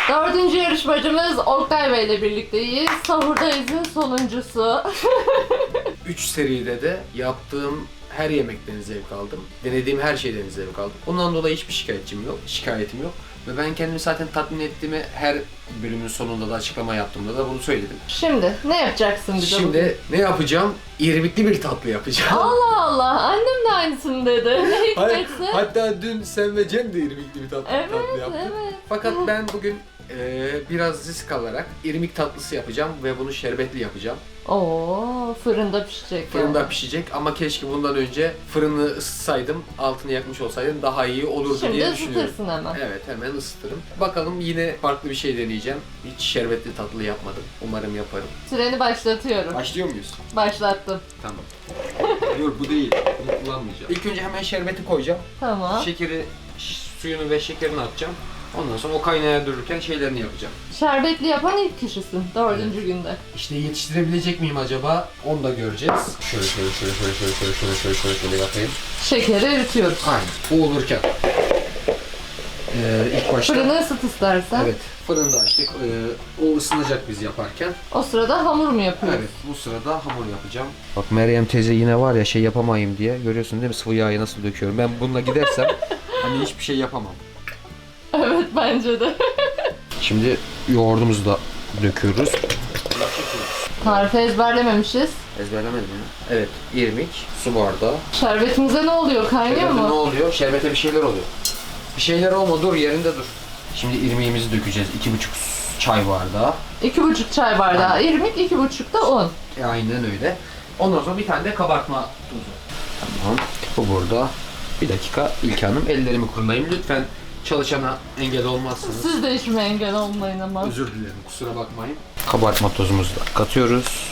Dördüncü yarışmacımız Oktay Bey ile birlikteyiz. Sahurdayız'ın sonuncusu. 3 seride de yaptığım her yemekten zevk aldım. Denediğim her şeyden zevk aldım. Ondan dolayı hiçbir şikayetim yok. Ve ben kendimi zaten tatmin ettiğimi her bölümün sonunda da açıklama yaptığımda da bunu söyledim. Şimdi ne yapacaksın bize bugün? Şimdi ne yapacağım? İrmikli bir tatlı yapacağım. Allah Allah, annem de aynısını dedi. Ne hikmetse. Hatta dün sen ve Cem de irmikli bir tatlı yaptı. Evet. Fakat ben bugün biraz risk alarak irmik tatlısı yapacağım ve bunu şerbetli yapacağım. Oo, fırında pişecek. Fırında yani. pişecek ama keşke bundan önce fırını ısıtsaydım, altını yakmış olsaydım daha iyi olurdu Şimdi diye düşünüyorum. ısıtırsın hemen. Evet, hemen ısıtırım. Bakalım, yine farklı bir şey deneyeceğim. Hiç şerbetli tatlı yapmadım. Umarım yaparım. Süreni başlatıyorum. Başlıyor muyuz? Başlattım. Tamam. Dur, bu değil. Bunu kullanmayacağım. İlk önce hemen şerbeti koyacağım. Tamam. Şekeri, suyunu ve şekerini atacağım. Ondan sonra o kaynaya dururken şeylerini yapacağım. Şerbetli yapan ilk kişisin 4. günde. İşte yetiştirebilecek miyim acaba? Onu da göreceğiz. Şöyle yapayım. Şekeri eritiyoruz. Aynen. Bu olurken ilk başta Fırını ısıt istersen. evet, fırında açtık. O ısınacak biz yaparken. O sırada hamur mu yapıyoruz? Evet, bu sırada hamur yapacağım. Bak, Meryem teyze yine var ya, şey yapamayayım diye. Görüyorsun değil mi, sıvı yağı nasıl döküyorum. Ben bununla gidersem hani hiçbir şey yapamam. Evet, bence de. Şimdi yoğurdumuzu da döküyoruz. Tarifi ezberlememişiz. Ezberlemedim ya. Evet, irmik, su bardağı. Şerbetimize ne oluyor? Kaynıyor Şerbete ne mu? oluyor? Şerbete bir şeyler oluyor. Bir şeyler olma, dur yerinde dur. Şimdi irmiğimizi dökeceğiz. 2,5 çay bardağı. 2,5 çay bardağı irmik, 2,5 da un. Aynen öyle. Ondan sonra bir tane de kabartma tuzu. Tamam. Bu burada. Bir dakika İlke Hanım, ellerimi kurulayım. Lütfen çalışana engel olmazsınız. Siz de işime engel olmayın ama. Özür dilerim, kusura bakmayın. Kabartma tozumuzu da katıyoruz.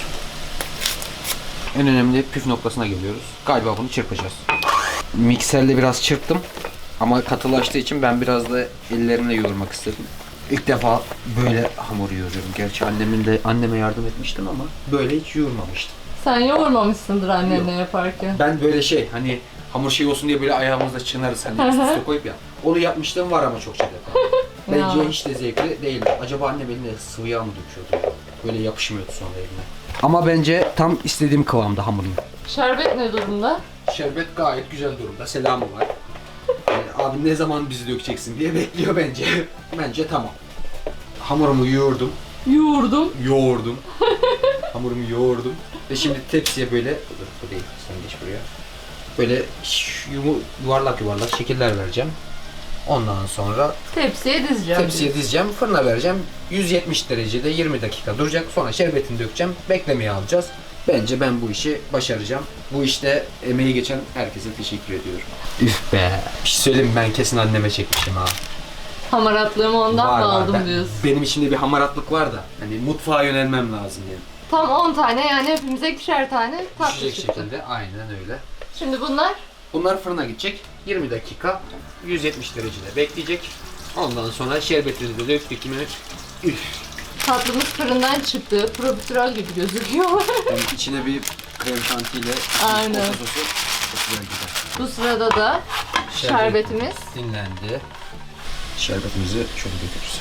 En önemli püf noktasına geliyoruz. Galiba bunu çırpacağız. Mikserle biraz çırptım. Ama katılaştığı için ben biraz da ellerimle yoğurmak istedim. İlk defa böyle hamur yoğuruyorum. Gerçi anneme yardım etmiştim ama böyle hiç yoğurmamıştım. Sen yoğurmamışsındır annenle yaparken. Ben böyle hani hamur şey olsun diye böyle ayağımızda çınarız hani üst üste koyup ya. Onu yapmıştım var ama çokça defa. Bence Ya. hiç de zevkli değil. Acaba annem eline sıvı yağ mı döküyordu? Böyle yapışmıyordu sonra eline. Ama bence tam istediğim kıvamda hamurun. Şerbet ne durumda? Şerbet gayet güzel durumda. Selamı var. Abi ne zaman bizi dökeceksin diye bekliyor bence. Bence tamam. Hamurumu yoğurdum. Yoğurdum. Hamurumu yoğurdum. Ve şimdi tepsiye böyle... Dur, bu değil. Sen geç buraya. Böyle yuvarlak yuvarlak şekiller vereceğim. Ondan sonra Tepsiye dizeceğim. tepsiye dizeceğim, fırına vereceğim. 170 derecede 20 dakika duracak. Sonra şerbetini dökeceğim. Beklemeye alacağız. Bence ben bu işi başaracağım. Bu işte emeği geçen herkese teşekkür ediyorum. Üf be. Bir şey söyleyeyim mi? Ben kesin anneme çekmişim ha. Hamaratlığımı ondan mı aldım diyorsun? Benim içimde bir hamaratlık var da. Hani mutfağa yönelmem lazım yani. Tam 10 tane, yani hepimize ikişer tane tatlı Düşecek çıktı. şekilde. Aynen öyle. Şimdi bunlar Bunlar fırına gidecek. 20 dakika 170 derecede bekleyecek. Ondan sonra şerbetini de döktük mi üf. tatlımız fırından çıktı. Profiterol gibi gözüküyor. Yani içine bir krem şantiyle Aynen. sosu çok güzel gider. Bu sırada da şerbetimiz. dinlendi. Şerbetimizi şöyle döküyoruz.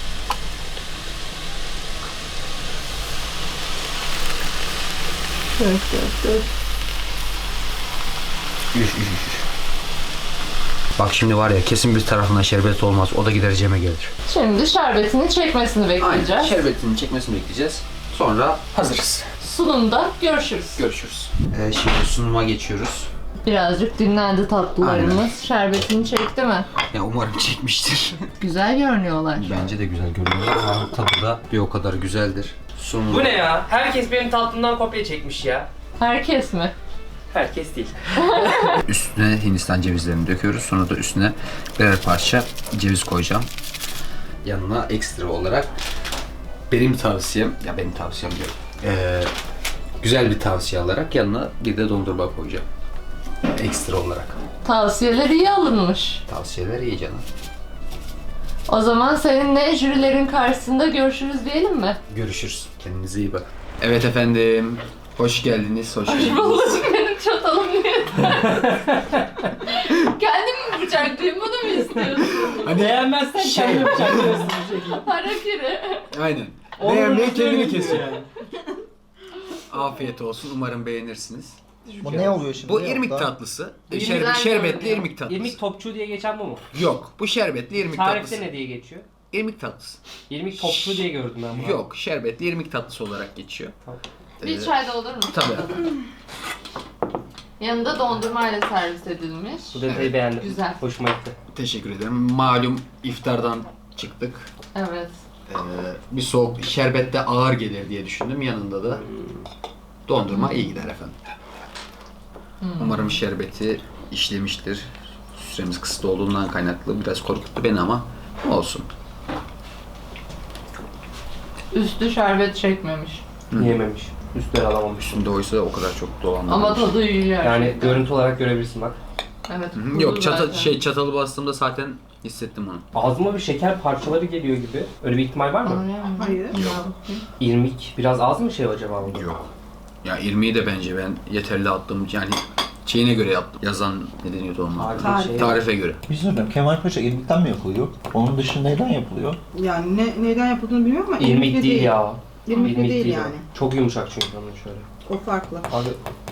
Dök. Üf. Bak şimdi var ya, kesin bir tarafından şerbet olmaz. O da gider Cem'e gelir. Şimdi şerbetini çekmesini bekleyeceğiz. Aynen. Şerbetinin çekmesini bekleyeceğiz. Sonra hazırız. Sunumda görüşürüz. Görüşürüz. Şimdi sunuma geçiyoruz. Birazcık dinlendi tatlılarımız. Aynen. Şerbetini çekti mi? Ya umarım çekmiştir. Güzel görünüyorlar. Bence de güzel görünüyor ama tadı da bir o kadar güzeldir. Sunum. Bu ne ya? Herkes benim tatlımdan kopya çekmiş ya. Herkes mi? Herkes değil. Üstüne Hindistan cevizlerini döküyoruz. Sonra da üstüne birer parça ceviz koyacağım. Yanına ekstra olarak benim tavsiyem diyorum. Güzel bir tavsiye alarak yanına bir de dondurma koyacağım. Ekstra olarak. Tavsiyeler iyi alınmış. Tavsiyeler iyi canım. O zaman seninle jürilerin karşısında görüşürüz diyelim mi? Görüşürüz. Kendinize iyi bakın. Evet efendim. Hoş geldiniz. Hoş geldiniz. Babacık, benim çatalım niye? Kendimi bıçaklayayım bunu mu istiyorsun? Beğenmezsen Şey- kendini bıçaklıyorsun bu şekilde. Harakiri. Aynen. Onun Beğenmeyi üstüne kendini gidiyor kesiyor. yani. Afiyet olsun. Umarım beğenirsiniz. Bu ne oluyor şimdi? Bu Yok irmik da. tatlısı. Güzel Şerbetli görünüyor. irmik tatlısı. İrmik topçu diye geçen bu mu? Yok. Bu şerbetli irmik Tarifte tatlısı. ne diye geçiyor? İrmik tatlısı. İrmik topçu diye gördüm ben bunu. Yok. Şerbetli irmik tatlısı olarak geçiyor. Tamam. Bir çay da olur mu? Tabii. Yanında dondurmayla servis edilmiş. Bu detayı beğendim. Güzel. Hoşuma gitti. Teşekkür ederim. Malum iftardan çıktık. Evet. Bir soğuk şerbet de ağır gelir diye düşündüm. Yanında da dondurma iyi gider efendim. Umarım şerbeti işlemiştir. Süremiz kısıtlı olduğundan kaynaklı biraz korkuttu beni ama olsun. Üstü şerbet çekmemiş. Yememiş. Üstleri alamamış. Üstünde oysa o kadar çok dolanmamış. Ama tadı iyi gerçekten. Yani görüntü olarak görebilirsin bak. Evet. Hı hı. kuru Yok zaten. çatalı bastığımda zaten hissettim onu. Ağzıma bir şeker parçaları geliyor gibi. Öyle bir ihtimal var mı? Öyle mi? Hayır. İrmik. Biraz az mı şey acaba bunda? Yok. Ya irmiği de bence ben yeterli attım yani şeyine göre yaptım. Yazan ne deniyordu onun? Harbi şey. Tarife göre. Bir şey söyleyeyim. Kemal Paşa irmikten mi yapılıyor? Onun dışında neyden yapılıyor? Yani neyden yapıldığını bilmiyorum ama İrmik irmikli değil ya. İrmikli değil o. yani. Çok yumuşak çünkü onun şöyle. O farklı. Abi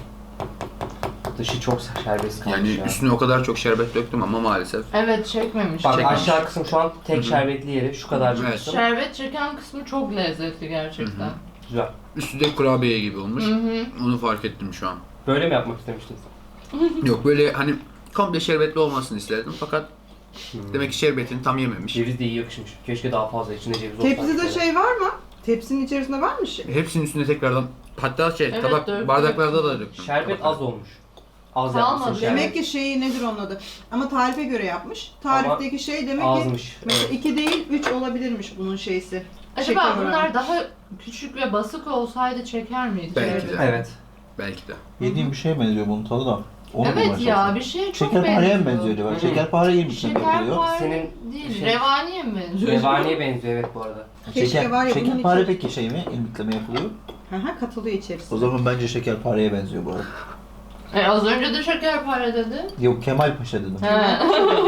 dışı çok şerbetli kalmış Yani ya. üstüne o kadar çok şerbet döktüm ama maalesef. Evet çekmemiş. Bak Çekmemiş. aşağı kısım şu an tek Hı hı. şerbetli yeri. Şu kadarcık Evet. kısım. Şerbet çeken kısmı çok lezzetli gerçekten. Güzel. Üstü de kurabiye gibi olmuş. Hı hı. Onu fark ettim şu an. Böyle mi yapmak istemiştiniz? Yok böyle hani komple şerbetli olmasını isterdim fakat demek ki şerbetini tam yememiş. Ceviz de iyi yakışmış. Keşke daha fazla içinde ceviz olsaydı. Tepside şey var mı? Tepsinin içerisinde var mı şey? Hepsinin üstüne tekrardan hatta Evet, tabak döktüm. bardaklarda da döktüm. Şerbet Tabaklara. az olmuş. Az Kalmadı. yapmışsın şerbet. Demek ki şeyi nedir onun adı? Ama tarife göre yapmış. Tarifteki şey demek ki Azmış. mesela Evet. 2 değil 3 olabilirmiş bunun şeysi. Acaba Şeker oranı. bunlar daha küçük ve basık olsaydı çeker miydi? Belki de. Evet. Belki de. Yediğim bir şeye benziyor bunun tadı da. Onu Evet bulmaya ya çalışıyorum. bir şeye çok benziyor. Şekerpareye mi benziyor acaba? Hı hı. Şekerpare irmikten mi yapılıyor? Şekerpare Senin değil, şey- revaniye mi benziyor? Revaniye benziyor evet bu arada. Keşke var ya bunun şekerpare içi- peki şey mi? İrmikle mi yapılıyor? Aha katılıyor içerisinde. O zaman bence şekerpareye benziyor bu arada. Az önce de şekerpare dedi. Yok Kemal Paşa dedim. He.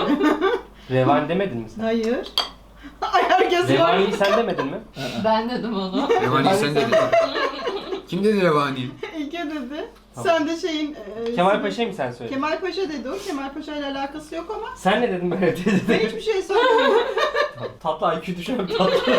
Revani demedin mi sen? Hayır. Ay herkes var. Revaniyi sen demedin mi? Ben dedim onu. Revani sen dedin. Kim dedi Revani'yi? İlke dedi. Tamam. Sen de şeyin... Kemal Paşa'yı mı sen söyledin? Kemal Paşa dedi o. Kemal Paşa ile alakası yok ama Sen ne dedin böyle ben dedi. hiçbir şey söylemiyorum. Tatlı IQ düşen bir tatlı.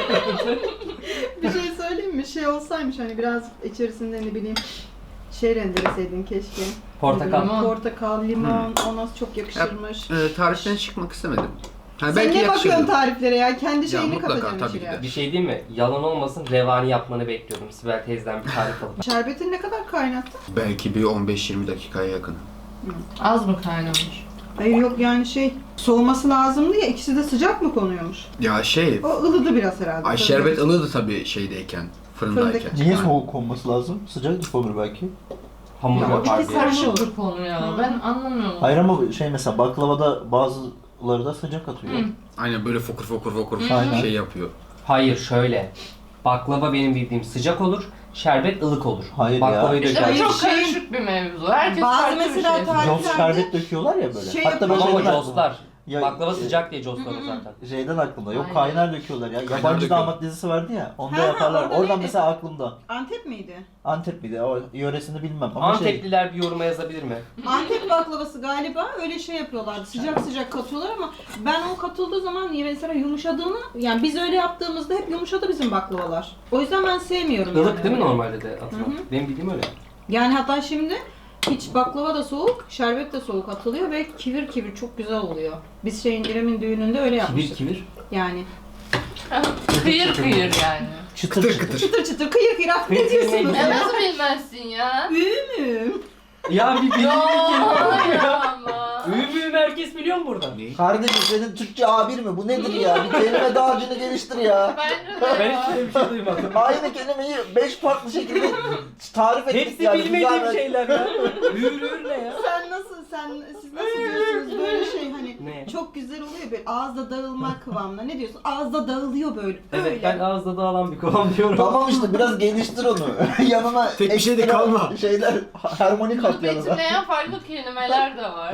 Bir şey söyleyeyim mi? Şey olsaymış hani biraz içerisinde ne bileyim şey rendeleseydin keşke. Portakal. Limon. Portakal, limon, o nasıl çok yakışırmış. Tariften çıkmak istemedim. Ha, Sen ne bakıyorsun yakışırdı. tariflere ya? Kendi şeyini mutlaka, katacaksın tabii içine. ki de. Bir şey değil mi? Yalan olmasın revani yapmanı bekliyordum. Sibel teyzeden bir tarif alıp. Şerbetini ne kadar kaynattın? Belki bir 15-20 dakikaya yakın. Az mı kaynamış? Hayır yok yani şey soğuması lazımdı ya ikisi de sıcak mı konuyormuş? Ya şey, O ılıdı biraz herhalde. ay şerbet ılıdı tabii şeydeyken, fırındayken. Fırındaki- Niye Ha. soğuk olması lazım? Sıcak olur belki. Hamur Ya, o yapar ikisi diye. Karışık bir konu ya. Ben anlamıyorum. Hayır ama şey mesela baklavada bazıları da sıcak atıyor. Hı. Aynen böyle fokur fokur Aynen. şey yapıyor. Hayır şöyle. Baklava benim bildiğim sıcak olur. Şerbet ılık olur. Hayır Baklavayı İşte bu döker. Hayır, çok şey- karışık bir mevzu. Herkes Bazı farklı mesela bir şey. tarif- Jos şerbet döküyorlar ya böyle. Şey Hatta ben Ama o şeyden coslar. Ya- Baklava sıcak diye coslar o zaten. Şeyden aklımda. Yok Aynen. kaynar döküyorlar ya. Yabancı döküyor. damat dizisi vardı ya. Onda Ha, yaparlar. orada Oradan neydi? mesela aklımda. Antep miydi? Antep miydi? O yöresini bilmem ama şey. Antepliler bir yoruma yazabilir mi? Antep baklavası galiba öyle şey yapıyorlardı. Sıcak sıcak katıyorlar ama ben o katıldığı zaman mesela yumuşadığını yani biz öyle yaptığımızda hep yumuşadı bizim baklavalar. O yüzden ben sevmiyorum. Ilık yani. değil mi normalde de atılan? Hı hı. Benim bildiğim öyle. Yani hatta şimdi hiç baklava da soğuk, şerbet de soğuk atılıyor ve kivir kivir çok güzel oluyor. Biz şeyin İrem'in düğününde öyle Kibir yapmıştık. kibir. Yani Kıyır kıyır yani. Çıtır Kıtır çıtır. kıtır. çıtır çıtır kıyır kıyır ah, ne Kıyır kıyır diyorsunuz neydi? Ya ya? nasıl bilmezsin ya? Ünüm. Ya bir bildiğin Hayır kelime. ama. Ümüm herkes biliyor mu burada? Ne? Kardeşim senin Türkçe A1 mi? Bu nedir ya? Bir kelime dağarcığını geliştir ya. Bence de Ben ya. hiç öyle bir şey duymadım. Aynı kelimeyi 5 farklı şekilde tarif ettik Hepsi yani. bilmediğim Güzel- şeyler ya. Ür ne ya? Siz nasıl diyorsunuz böyle şey hani Ne? çok güzel oluyor böyle ağızda dağılma kıvamında. Ne diyorsun? Ağızda dağılıyor böyle. Evet Öyle. ben ağızda dağılan bir kovam diyorum. Tamam işte biraz geliştir onu. Yanına Tek bir şey de ekstra kalma. Şeyler harmonik at Bunu yanına. betimleyen farklı kelimeler de var. Ya belki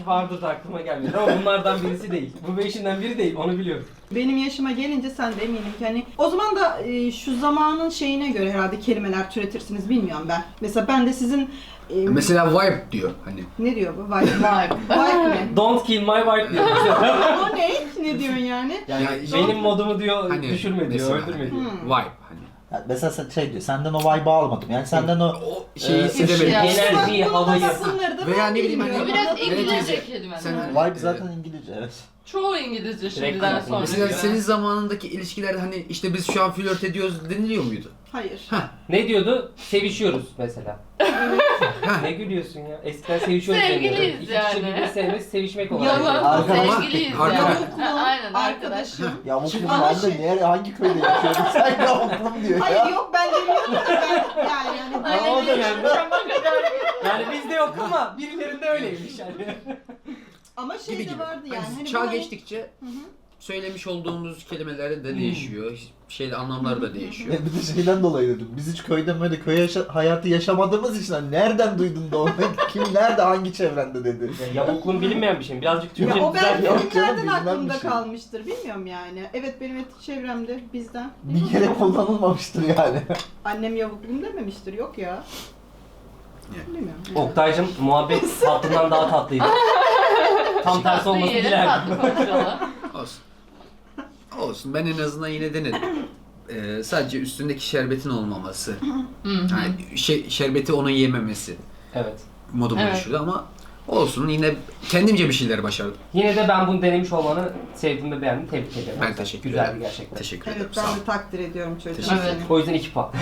belki vardır da aklıma gelmiyor ama bunlardan birisi değil. Bu beşinden biri değil, onu biliyorum. Benim yaşıma gelince sen de eminim ki hani o zaman da şu zamanın şeyine göre herhalde kelimeler türetirsiniz bilmiyorum ben. Mesela ben de sizin Mesela vibe diyor hani. ne diyor bu? Vibe. Vibe. Vibe ne? Don't kill my wife diyor. O ne? Ne diyorsun yani? Yani Ya, benim modumu diyor, Hani düşürme diyor, mesela öldürme hani diyor. Vibe hani. Ya mesela sen şey diyor, senden o vibe'ı almadım. Yani senden o O şeyi hissedemedim. şey- Enerjiyi, havayı. Sınırdı Veya ben ne bileyim hani- Bu bilmiyorum. biraz İngilizce teyze, kelimeler. sen- vibe zaten İngilizce, evet. Çoğu İngilizce şimdiden Direkt sonra. Mesela göre. senin zamanındaki ilişkilerde hani işte biz şu an flört ediyoruz deniliyor muydu? Hayır. Ne diyordu? Sevişiyoruz mesela. Ne gülüyorsun ya? Eskiden sevişiyoruz Sevgiliyiz deniyordu. İki kişi yani. birbirini sevmesi sevişmek olarak. Yalan. Arkadaş- Sevgiliyiz Arkadaş- yani. Yavuklum, Aynen arkadaşım. Ya bu kız Ama ben de şey- nereye, hangi köyde yaşıyordun sen yavuklum diyor Hayır ya. yok ben demiyorum da ben yani Ama o böyle dönemde yani bizde yok ama birilerinde öyleymiş yani. ama şey Gibi de gibi. vardı yani. Hani Hani çağ bana- geçtikçe söylemiş olduğumuz kelimeler de değişiyor. Şeyde anlamlar da değişiyor. Bir de şeyden dolayı dedim. Biz hiç köyde böyle hayatı yaşamadığımız için hani nereden duydun da onu? Kim nerede hangi çevrende dedi. Yavukluğun bilinmeyen bir şey. Birazcık Ya Türkçe o belki güzel. Yok canım, filmlerden bilmem aklımda bir şey. kalmıştır. Bilmiyorum yani. Evet benim etik çevremde bizden. Bir kere kullanılmamıştır yani. Annem yavuklum dememiştir. Yok ya. Evet. Bilmiyorum. Oktay'cım muhabbet tatlından daha tatlıydı. Tam tersi Tatlı olmasını yiyelim, dilerdim. tatlı konuşalım. Olsun. Olsun. Ben en azından yine denedim. Sadece üstündeki şerbetin olmaması. Yani şerbeti onun yememesi Evet. modumu Evet. düşürdü ama olsun yine kendimce bir şeyler başardım. Yine de ben bunu denemiş olmanı sevdim ve beğendim. Tebrik ederim. Ben teşekkür Güzeldi ederim. gerçekten. Teşekkür Evet ederim. ben Sağ ol. de takdir ediyorum çocuğum. Teşekkür Evet. seni. O yüzden 2 puan.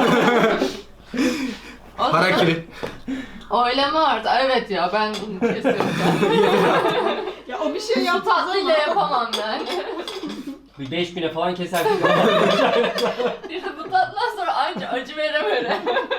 O zaman Harakiri. oylama artık. Evet ya ben bunu kesiyorum. Ya o bir şey Bu yaptı tatlıyla yapamam yani. Bir 5 güne falan keserdik. İşte bu tatlıdan sonra anca acı veremem.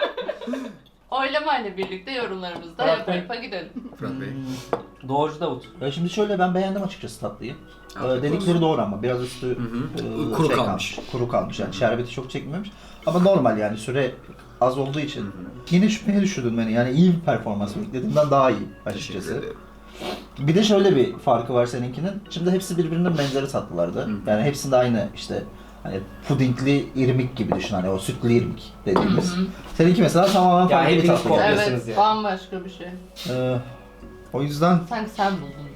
Oylamayla birlikte yorumlarımızı da Fırat yapa Bey. yapa gidelim. Fırat Bey. Doğrucu Davut. Ya şimdi şöyle ben beğendim açıkçası tatlıyı. Afiyet Dedikleri olsun. doğru ama biraz üstü hı. Kuru kalmış. Kuru kalmış yani şerbeti çok çekmemiş. Ama normal yani süre az olduğu için. Yine şüpheye düşürdün beni yani iyi bir performans beklediğimden daha iyi Teşekkür açıkçası. ederim. Bir de şöyle bir farkı var seninkinin. Şimdi hepsi birbirinin benzeri tatlılardı. Yani hepsinde aynı işte hani pudingli irmik gibi düşün hani o sütlü irmik dediğimiz. Seninki mesela tamamen Ya farklı bir hepiniz tatlı. kopya- oldu. Evet Yapıyorsunuz yani. bambaşka bir şey. O yüzden Sanki sen buldun.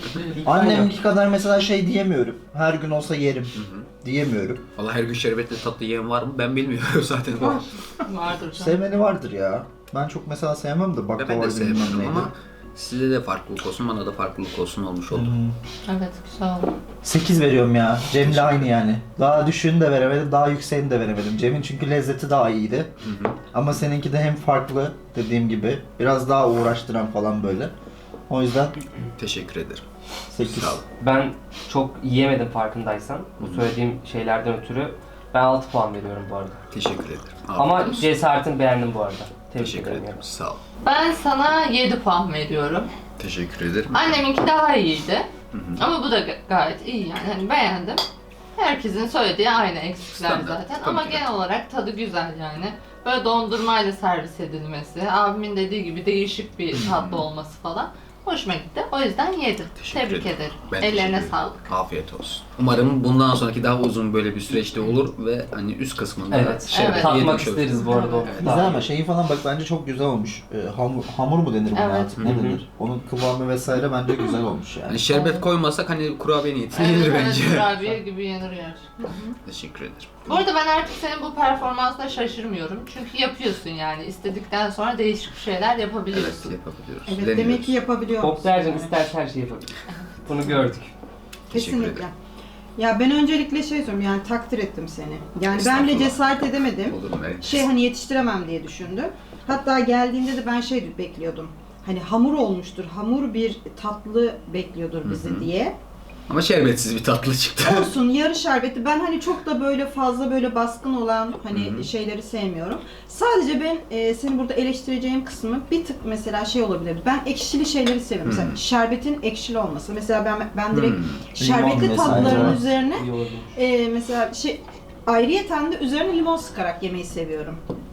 annemki kadar mesela şey diyemiyorum. Her gün olsa yerim diyemiyorum. Valla her gün şerbetli tatlı yiyen var mı? Ben bilmiyorum zaten. Vardır canım. Sevmeni vardır ya. Ben çok mesela sevmem de Ben baklava de bilmem sevmiyorum neydi. ama size de farklılık olsun, bana da farklılık olsun olmuş oldu. Evet güzel oldu. 8 veriyorum ya. Cem'le aynı yani. Daha düşüğünü de veremedim, daha yükseğini de veremedim. Cem'in çünkü lezzeti daha iyiydi. Ama seninki de hem farklı dediğim gibi, biraz daha uğraştıran falan böyle. O yüzden Teşekkür ederim. 8. Sağ ol. Ben çok yiyemedim farkındaysan. Bu söylediğim şeylerden ötürü ben 6 puan veriyorum bu arada. Teşekkür ederim. Ama Afiyet olsun. cesaretini beğendim bu arada. Tebrik Teşekkür ederim. ederim. Sağ ol. Ben sana 7 puan veriyorum. Teşekkür ederim. Anneminki daha iyiydi. Ama bu da gayet iyi yani. Hani beğendim. Herkesin söylediği aynı eksikler Standart, zaten. tabii Ama ki de. genel olarak tadı güzel yani. Böyle dondurmayla servis edilmesi, abimin dediği gibi değişik bir tatlı olması falan. Hoşuma gitti. O yüzden yedim. Teşekkür Tebrik ederim. ederim. Ben teşekkür Ellerine ederim. sağlık. Afiyet olsun. Umarım bundan sonraki daha uzun böyle bir süreçte olur ve hani üst kısmında Evet. şerbet Tatmak yemiş oluruz. isteriz bu arada. Evet. Güzel ama şeyi falan bak bence çok güzel olmuş. Hamur mu denir buna Evet. artık? Ne denir? Onun kıvamı vesaire bence güzel olmuş yani. Hani şerbet Evet. koymasak hani kurabiye niyetine Evet, yenir evet, bence. kurabiye gibi yenir gerçekten. Teşekkür ederim. Bu arada ben artık senin bu performansına şaşırmıyorum. Çünkü yapıyorsun yani. İstedikten sonra değişik bir şeyler Evet, yapabiliyorsun. yapabiliyoruz. Evet Deniyoruz. demek ki yapabiliyor musun? Oktay'cım isterse her şeyi yapabilir. Bunu gördük. Teşekkür Kesinlikle. ederim. Ya ben öncelikle şey söyleyeyim yani takdir ettim seni. Yani ben bile Estağfurullah. cesaret edemedim. Olur mu? Evet. Şey hani yetiştiremem diye düşündüm. Hatta geldiğinde de ben şey bekliyordum. Hani hamur olmuştur, hamur bir tatlı bekliyordur bizi diye. Ama şerbetsiz bir tatlı çıktı. Olsun yarı şerbeti. Ben hani çok da böyle fazla böyle baskın olan hani şeyleri sevmiyorum. Sadece ben senin burada eleştireceğim kısmı bir tık mesela şey olabilir. Ben ekşili şeyleri seviyorum. Mesela şerbetin ekşili olması. Mesela ben direkt şerbetli Limon tatlıların vesaire. üzerine İyi oldu. mesela şey ayrıyeten de üzerine limon sıkarak yemeyi seviyorum.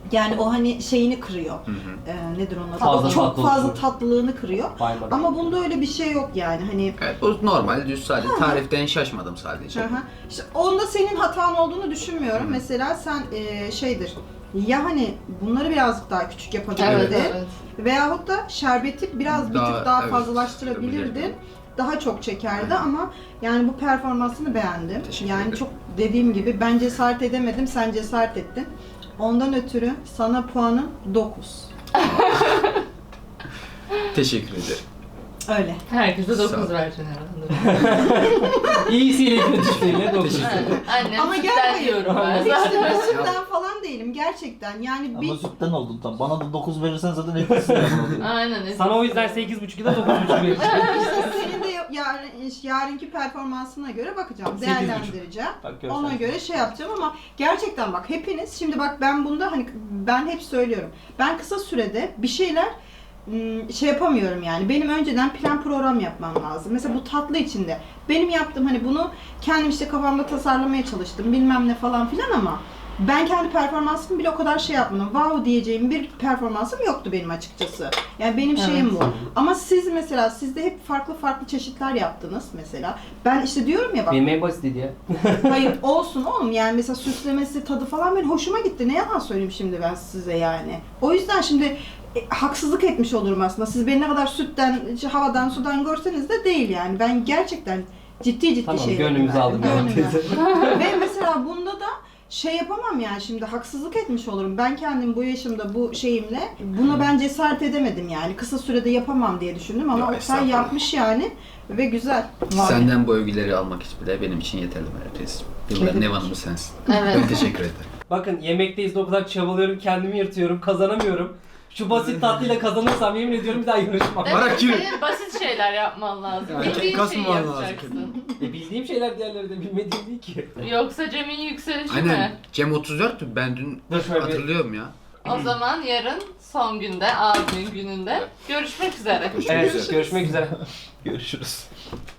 Yani o hani şeyini kırıyor. Nedir onun adı? Fazla Çok tatlı fazla olsun. tatlılığını kırıyor. Baymadım. Ama bunda öyle bir şey yok yani hani. Evet, bu normal düz sadece tariften şaşmadım sadece. Hı hı. İşte onda senin hatan olduğunu düşünmüyorum. Mesela sen şeydir. Ya hani bunları birazcık daha küçük yapabilirdin. Evet, evet. Veyahut da şerbeti biraz bir tık daha evet, fazlalaştırabilirdin. yapabilirdim. Daha çok çekerdi ama yani bu performansını beğendim. Teşekkür Yani ederim. çok dediğim gibi ben cesaret edemedim, sen cesaret ettin. Ondan ötürü sana puanım 9. Teşekkür ederim. Öyle. Herkese Sağ 9 ol. vereceksin herhalde. İyisiyle kötüsüyle 9. Teşekkür ederim. Annem Ama sütten gel diyorum ben Hiç de zaten. ben sütten falan değilim gerçekten. Yani bir Ama sütten oldun tam. Bana da 9 verirsen zaten etkisi oluyor. Aynen. Sana o yüzden 8,5 ya da 9,5 vereceğim. İşte senin de yarınki performansına göre bakacağım, 8,5. değerlendireceğim. Bak görsen. Ona göre şey yapacağım ama gerçekten bak hepiniz, şimdi bak ben bunda hani ben hep söylüyorum. Ben kısa sürede bir şeyler şey yapamıyorum yani. Benim önceden plan program yapmam lazım. Mesela bu tatlı içinde. Benim yaptığım hani bunu kendim işte kafamda tasarlamaya çalıştım bilmem ne falan filan ama ben kendi performansımı bile o kadar şey yapmadım. Wow diyeceğim bir performansım yoktu benim açıkçası. Yani benim şeyim bu. Ama siz mesela sizde hep farklı farklı çeşitler yaptınız mesela. Ben işte diyorum ya bak. Benim en basitiydi ya. Hayır olsun oğlum yani mesela süslemesi tadı falan benim hoşuma gitti. Ne yalan söyleyeyim şimdi ben size yani. O yüzden şimdi haksızlık etmiş olurum aslında. Siz beni ne kadar sütten, havadan, sudan görseniz de değil yani. Ben gerçekten ciddi Tamam, şey gönlümüzü aldım. Ve mesela bunda da şey yapamam yani şimdi haksızlık etmiş olurum. Ben kendim bu yaşımda bu şeyimle buna ben cesaret edemedim yani. Kısa sürede yapamam diye düşündüm ama Ya, Oktay estağfurullah. yapmış yani ve güzel. Senden bu övgüleri almak için bile benim için yeterli Meral teyzeciğim. Yılların ev hanımı sensin. Evet. Ben teşekkür ederim. Bakın yemekteyiz de o kadar çabalıyorum, kendimi yırtıyorum, kazanamıyorum. Şu basit tatlıyla kazanırsam yemin ediyorum bir daha yarışmam. Demek Bırak ki yürü. senin basit şeyler yapman lazım. Yani Bildiğin şeyi kasmaman lazım yapacaksın. Bildiğim şeyler diğerleri de bilmediğim değil ki. Yoksa Cem'in yükselişi Aynen. mi? Cem 34'tü. Ben dün Dur şöyle bir- hatırlıyorum ya. O zaman yarın son günde, abimin gününde görüşmek üzere. Evet, görüşmek üzere. Görüşürüz.